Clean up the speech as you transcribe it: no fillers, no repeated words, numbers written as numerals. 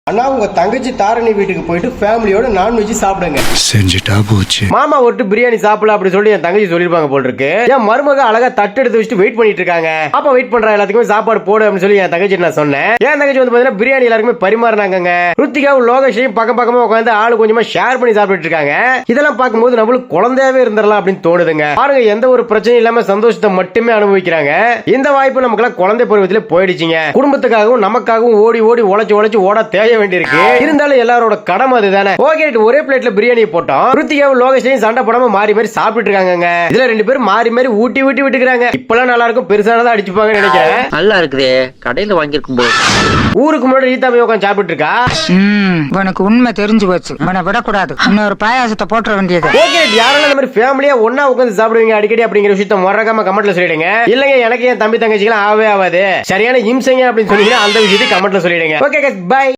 அண்ணா உங்க தங்கச்சி தாரணி வீட்டுக்கு போயிட்டு ஃபேமிலியோட நான்வெஜ் சாப்பிடுங்க. செஞ்சுட்டா போச்சு. மாமா ஒட்டு பிரியாணி சாப்பிடலாம் அப்படி சொல்லி என் தங்கச்சி சொல்லிருப்பாங்க போல் இருக்கு. என் மருமக அழகா தட்டு எடுத்து வச்சுட்டு வெயிட் பண்ணிட்டு இருக்காங்க. அப்ப வெயிட் பண்ற எல்லாத்துக்குமே சாப்பாடு போடு அப்படின்னு சொல்லி என் தங்கச்சி நான் சொன்னேன். என் தங்கச்சி வந்து பாத்தீங்கன்னா பிரியாணி எல்லாருக்குமே பரிமாறினாங்க. ருத்திகாவும் லோகேஷையும் பக்கம் பக்கமா உட்காந்து ஆளு கொஞ்சமா ஷேர் பண்ணி சாப்பிட்டு இருக்காங்க. இதெல்லாம் பார்க்கும்போது நம்மளுக்கு குழந்தையாவே இருந்துடலாம் அப்படின்னு தோணுதுங்க. பாருங்க, எந்த ஒரு பிரச்சனையும் இல்லாம சந்தோஷத்தை மட்டுமே அனுபவிக்கிறாங்க. இந்த வாய்ப்பு நமக்கு எல்லாம் குழந்தை பருவத்திலே போயிடுச்சுங்க. குடும்பத்துக்காகவும் நமக்காகவும் ஓடி ஓடி உழைச்சு ஓட தேய வேண்டியிருக்கு. இருந்தாலும் எல்லாரோட கடமை அதுதானே. ஓகே, ஒரே பிளேட்ல பிரியாணி போட்டோம். ருத்திகாவும் லோகேஷையும் சண்டை போடாம மாறி மாறி சாப்பிட்டு இருக்காங்க. இதுல ரெண்டு பேரும் மாறி மாறி ஊட்டி விட்டுக்கிறாங்க. இப்பெல்லாம் நல்லா இருக்கும், பெருசானதா அடிச்சுப்பாங்க நினைக்கிறேன். நல்லா இருக்குது, கடையில வாங்கியிருக்கும் போது. ஊருக்கு முன்னாடி ரீதா போய் உட்காந்து சாப்பிட்டு இருக்கா. உனக்கு உண்மை தெரிஞ்சு போச்சு, உன்னை விடக்கூடாது. இன்னொரு பாயாசத்தை போட்டுற வேண்டியது. ஓகே, யாரெல்லாம் இந்த மாதிரி ஃபேமிலியா ஒன்னா உட்காந்து சாப்பிடுவீங்க அடிக்கடி அப்படிங்கிற விஷயத்த மறக்காம கமெண்ட்ல சொல்லிடுங்க. இல்லங்க எனக்கு என் தம்பி தங்கச்சிக்கெல்லாம் ஆகவே ஆகாது, சரியான இம்சைங்க அப்படின்னு சொன்னீங்கன்னா அந்த விஷயத்தை கமெண்ட்ல சொல்லிடுங்க. Okay, by.